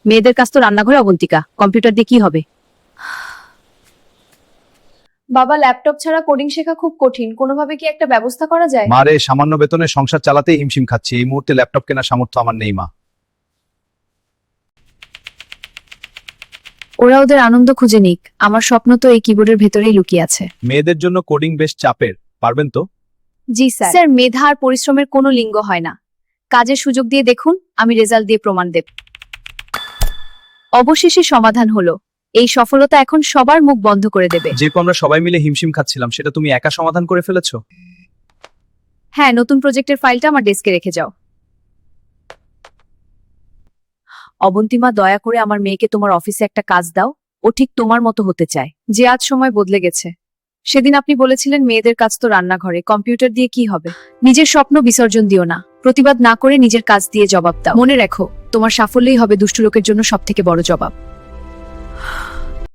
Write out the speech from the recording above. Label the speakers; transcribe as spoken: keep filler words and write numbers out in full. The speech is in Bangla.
Speaker 1: মেয়েদের কাজ তো রান্নাঘরে। অবন্তিকা, কম্পিউটার দিয়ে কি হবে?
Speaker 2: বাবা, ল্যাপটপ ছাড়া কোডিং শেখা খুব কঠিন, কোনোভাবে কি একটা ব্যবস্থা করা যায়?
Speaker 3: মারে, সামান্য বেতনে সংসার চালাতে হিমশিম খাচ্ছি। এই মুহূর্তে ল্যাপটপ কেনার সামর্থ্য আমার নেই মা।
Speaker 1: ওরা ওদের আনন্দ খুঁজে নিক, আমার স্বপ্ন তো এই কিবোর্ডের ভেতরেই লুকিয়ে আছে।
Speaker 3: মেয়েদের জন্য কোডিং বেশ চাপের, পারবেন তো?
Speaker 1: জি স্যার। স্যার, মেধা আর পরিশ্রমের কোনো লিঙ্গ হয় না। কাজের সুযোগ দিয়ে দেখুন, আমি রেজাল্ট দিয়ে প্রমাণ দেব। অবশেষে সমাধান হলো। এই সফলতা এখন সবার মুখ বন্ধ করে দেবে।
Speaker 3: যে আমরা সবাই মিলে হিমশিম খাচ্ছিলাম, সেটা তুমি একা সমাধান করে ফেলেছো।
Speaker 1: হ্যাঁ, নতুন প্রজেক্টের ফাইলটা আমার ডেস্কে রেখে যাও। অবন্তিমা, দয়া করে আমার মেয়েকে তোমার অফিসে একটা কাজ দাও। ও ঠিক তোমার মতো হতে চায়। যে আজ সময় বদলে গেছে। সেদিন আপনি বলেছিলেন মেয়েদের কাজ তো রান্নাঘরে, কম্পিউটার দিয়ে কি হবে? নিজের স্বপ্ন বিসর্জন দিও না, প্রতিবাদ না করে নিজের কাজ দিয়ে জবাব দাও। মনে রেখো, তোমার সাফল্যই হবে দুষ্ট লোকের জন্য সবথেকে বড় জবাব।